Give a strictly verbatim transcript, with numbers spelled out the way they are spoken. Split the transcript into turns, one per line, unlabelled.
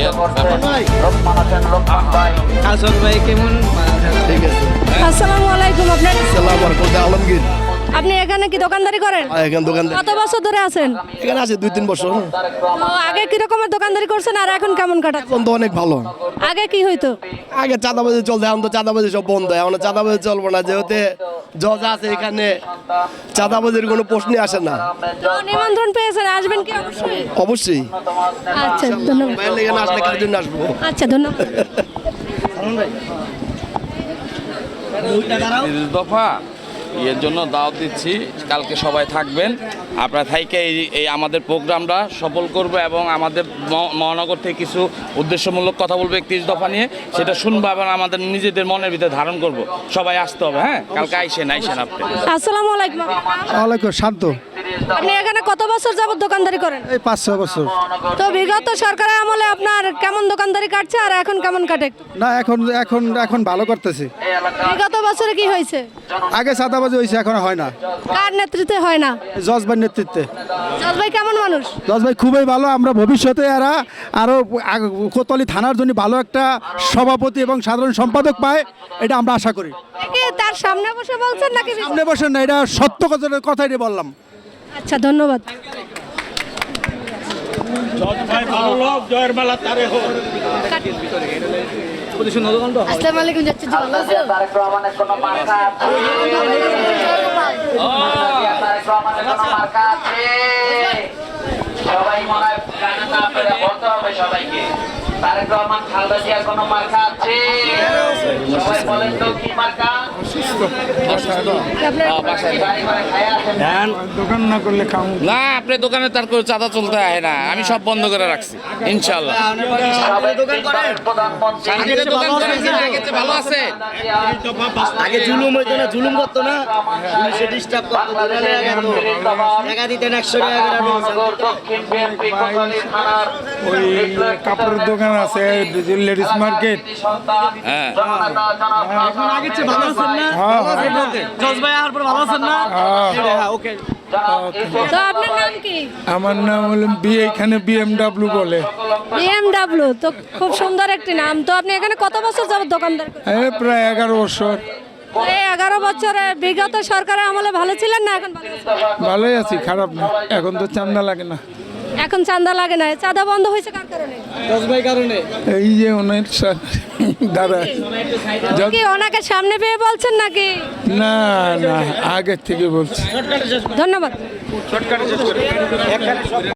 হাসান ভাই কেমন?
ঠিক আছে।
আসসালামু আলাইকুম। আপনার
সালাম আলাইকুম, আলমগীর।
আপনি এখানে কি দোকানদারি করেন?
এখানে দোকান
কত বছর ধরে আছেন?
এখানে আছে দুই তিন বছর।
তো আগে কি রকমের দোকানদারি করছেন আর এখন কেমন কাটাচ্ছেন?
এখন তো অনেক ভালো।
আগে কি হইতো?
আগে চাঁদাবাজি চলছে, এখন তো চাঁদাবাজি সব বন্ধ। এখন চাঁদাবাজি চলবো না, যেহেতু জজ আছে এখানে, চাঁদাবাজির কোনো প্রশ্নই আসে না।
তো নিমন্ত্রণ পেয়েছেন, আসবেন কি? অবশ্যই।
অবশ্যই।
আচ্ছা ধন্যবাদ।
ভাইয়ের লেগে না আসলে কার জন্য আসবো?
আচ্ছা ধন্যবাদ।
দফা এর জন্য দাওয়াত দিচ্ছি, কালকে সবাই থাকবেন। আপনারা থাইকে এই এই আমাদের প্রোগ্রামটা সফল করবো এবং আমাদের ম- মহানগর থেকে কিছু উদ্দেশ্যমূলক কথা বলবো একত্রিশ দফা নিয়ে, সেটা শুনবো এবং আমাদের নিজেদের মনের ভিতরে ধারণ করব। সবাই আসতে হবে, হ্যাঁ? কালকে আইসেন আইসেন আপনি।
আসসালামু আলাইকুম।
ওয়ালাইকুম শান্ত।
আপনি এখানে কত বছর যাবত দোকানদারি করেন?
এই পাঁচ ছয় বছর।
তো বিগত সরকারের আমলে আপনার কেমন দোকানদারি কাটছে আর এখন কেমন কাটে?
না এখন এখন এখন ভালো করতেছি।
বিগত বছরে কি হয়েছে?
আগে চাঁদাবাজি হয়েছে, এখন হয় না।
কার নেতৃত্বে হয় না?
জজ ভাইয়ের নেতৃত্বে।
জজ ভাই কেমন মানুষ?
জজ ভাই খুবই ভালো। আমরা ভবিষ্যতে এরা আরও কোতোয়ালি থানার জন্য ভালো একটা সভাপতি এবং সাধারণ সম্পাদক পায়, এটা আমরা আশা করি।
কি তার সামনে বসে বলছেন নাকি?
সামনে বসেন না, এটা সত্য কথার কথাই বললাম।
আচ্ছা ধন্যবাদ। আসসালামু আলাইকুম। যাচ্ছি জি, ভালো আছো?
সবাই মনে হয় গানে না পেরে বলতে হবে সবাইকে। তারেক রহমান খালেদা জিয়ার কোনো মার্কা আছে? সবাই বলেন তো কি মার্কা? বাড়ি ঘরে খায়া আছেন?
দোকান না করলে খাও
না, আপনি দোকানে তার করে চাঁদা চলতে হয় না, আমি সব বন্ধ করে রাখছি ইনশাল্লাহ।
সবাই দোকান করেন? প্রধানমন্ত্রী
আগে দোকান করেন কিনা? আগে চেয়ে ভালো আছে?
আগে জুলুম হইতো না, জুলুম করতো না, পুলিশে ডিস্টার্ব করতো, দোকানে আগাতো, টাকা দিতেন একশো টাকা করে।
মহানগর দক্ষিণ বিএনপি কোতোয়ালি থানার
ওই কাপড়ের দোকান আছে, লেডিস মার্কেট।
হ্যাঁ।
জননেতা জনাব
এখন আগের চেয়ে ভালো আছেন না?
হ্যাঁ,
ভালো আছেন বলতে? জজ ভাই আসার পর ভালো আছেন না? হ্যাঁ, ওকে।
তো আপনার নাম কি?
আমার নাম হলো বি, এখানে বিএমডাব্লিউ বলে।
বিএমডব্লিউ। তো খুব সুন্দর একটি নাম। তো আপনি এখানে কত বছর যাবত দোকানদার করেন?
এই প্রায় এগারো বছর।
এই এগারো বছরে বিগত সরকারের আমলে ভালো ছিলেন না এখন ভালো আছেন?
ভালোই আছি, খারাপ না। এখন তো চান্দা লাগে না।
এখন চাঁদা লাগে না। চাঁদা বন্ধ হয়েছে কার কারণে?
জজ ভাই কারণে।
এই যে ওনার সা- দাদা যত-
কি ওনাকে সামনে পেয়ে বলছেন নাকি?
না না, আগের থেকে বলছি।
ধন্যবাদ।